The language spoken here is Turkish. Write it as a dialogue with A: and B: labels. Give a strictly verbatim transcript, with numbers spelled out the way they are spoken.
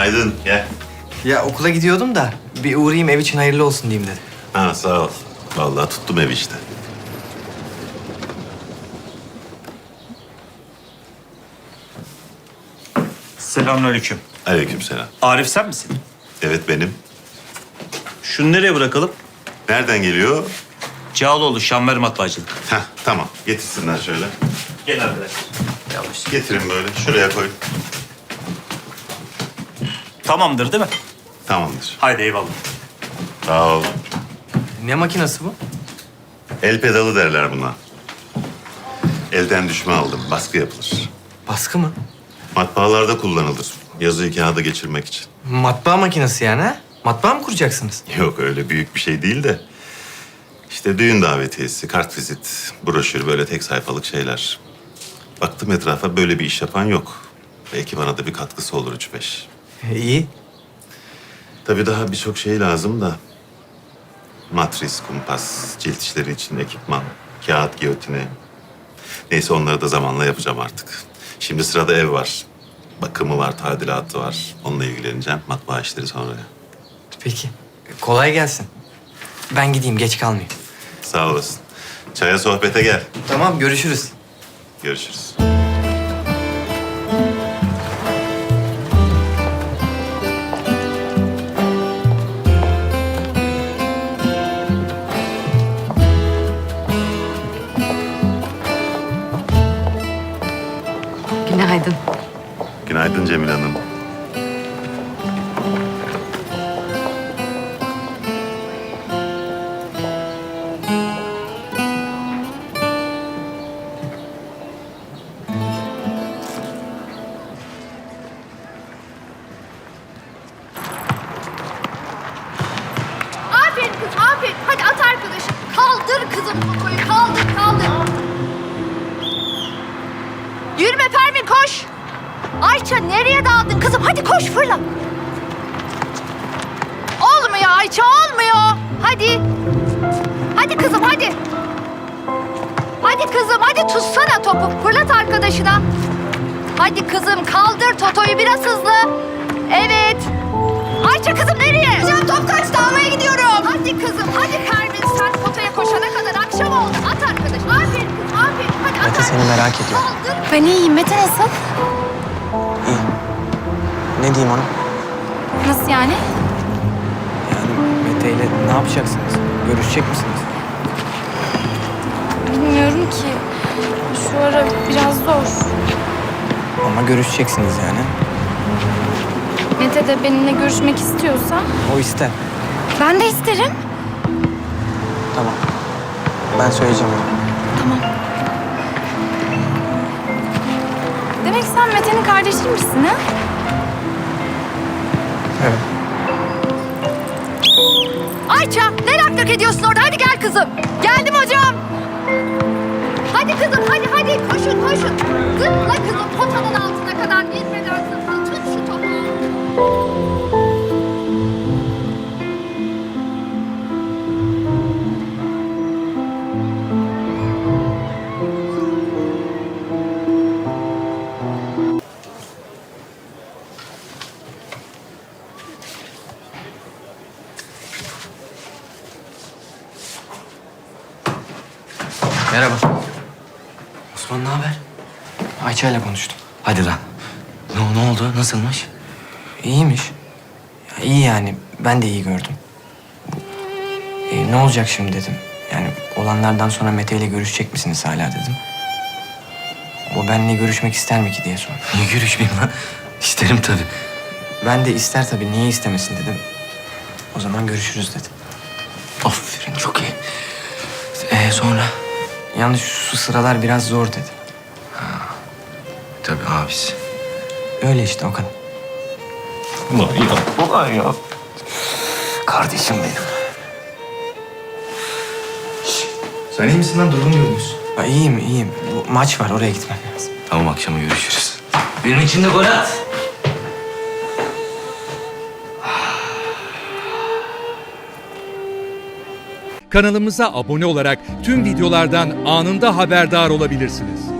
A: Günaydın. Gel.
B: Ya okula gidiyordum da bir uğrayayım ev için hayırlı olsun diyeyim dedim.
A: Ha sağ ol. Vallahi tuttum ev işte.
C: Selamünaleyküm.
A: Aleykümselam.
C: Arif sen misin?
A: Evet benim.
C: Şunu nereye bırakalım?
A: Nereden geliyor?
C: Cağaloğlu Şanver Matbaacılık.
A: Heh tamam. Getirsinler şöyle.
C: Gel arkadaş. Yavaş.
A: Getirin böyle. Şuraya koy.
C: Tamamdır değil mi?
A: Tamamdır.
C: Haydi eyvallah.
A: Sağ ol.
B: Ne makinası bu?
A: El pedalı derler buna. Elden düşme aldım. Baskı yapılır.
B: Baskı mı?
A: Matbaalarda kullanılır. Yazıyı kağıda geçirmek için.
B: Matbaa makinesi yani ha? Matbaa mı kuracaksınız?
A: Yok öyle büyük bir şey değil de. İşte düğün davetiyesi, kartvizit, broşür böyle tek sayfalık şeyler. Baktım etrafa böyle bir iş yapan yok. Belki bana da bir katkısı olur üç beş.
B: E, iyi.
A: Tabii daha birçok şey lazım da. Matris, kumpas, cilt işleri için ekipman, kağıt, giyotini. Neyse onları da zamanla yapacağım artık. Şimdi sırada ev var. Bakımı var, tadilatı var. Onunla ilgileneceğim. Matbaa işleri sonra.
B: Peki. Kolay gelsin. Ben gideyim geç kalmayayım.
A: Sağ olasın. Çaya sohbete gel.
B: Tamam görüşürüz.
A: Görüşürüz.
D: Günaydın.
A: Günaydın Cemil Hanım.
E: Aferin kız, aferin. Hadi at arkadaşım. Kaldır kızım popoyu, kaldır, kaldır. Yürüme Pervin, koş. Ayça nereye daldın kızım? Hadi koş, fırla. Olmuyor Ayça, olmuyor. Hadi. Hadi kızım, hadi. Hadi kızım, hadi tutsana topu. Fırlat arkadaşına. Hadi kızım, kaldır Toto'yu biraz hızlı. Evet. Ayça kızım nereye? Hocam top kaçtı, almaya gidiyorum. Hadi kızım, hadi Pervin sen potaya koşana kadar akşam oldu. At arkadaşım. Aferin kız, aferin. Hadi at.
B: Mete seni merak ediyor.
E: Kaldır.
D: Ben iyiyim. Mete nasıl?
B: İyi. Ne diyeyim ona?
D: Nasıl yani?
B: Yani Mete ile ne yapacaksınız? Görüşecek misiniz?
D: Bilmiyorum ki. Şu ara biraz zor.
B: Ama görüşeceksiniz yani.
D: Mete de benimle görüşmek istiyorsa
B: O ister.
D: ben de isterim.
B: Tamam. Ben söyleyeceğim ona.
D: Tamam. Demek sen Mete'nin kardeşiymişsin ha?
B: Evet.
E: Ayça ne lak lak ediyorsun orada? Hadi gel kızım. Geldim hocam. Hadi kızım, hadi hadi. Koşun, koşun. Zıpla kızım potanın altına kadar inmeden zıpla. Tut şu topu.
B: Merhaba. Osman ne haber? Ayça ile konuştum.
F: Hadi lan. Ne, ne oldu? Nasılmış?
B: İyiymiş. Ya, iyi yani. Ben de iyi gördüm. E, ne olacak şimdi dedim. Yani olanlardan sonra Mete ile görüşecek misiniz hala dedim. O benimle görüşmek ister mi ki diye sordu.
F: Niye görüşmeyeyim lan? İsterim tabii.
B: Ben de ister tabii. Niye istemesin dedim. O zaman görüşürüz dedim.
F: Aferin, çok iyi. Ee sonra?
B: Yalnız şu sıralar biraz zor dedi.
F: Tabii abisi.
B: Öyle işte o kadar.
F: Ulan ya. Ulan ya. Kardeşim benim.
B: Sen iyi misin lan? Durgun görünüyorsun. Ha, iyiyim iyiyim. Bu maç var oraya gitmem lazım.
F: Tamam, akşama görüşürüz. Benim için de gol at.
G: Kanalımıza abone olarak tüm videolardan anında haberdar olabilirsiniz.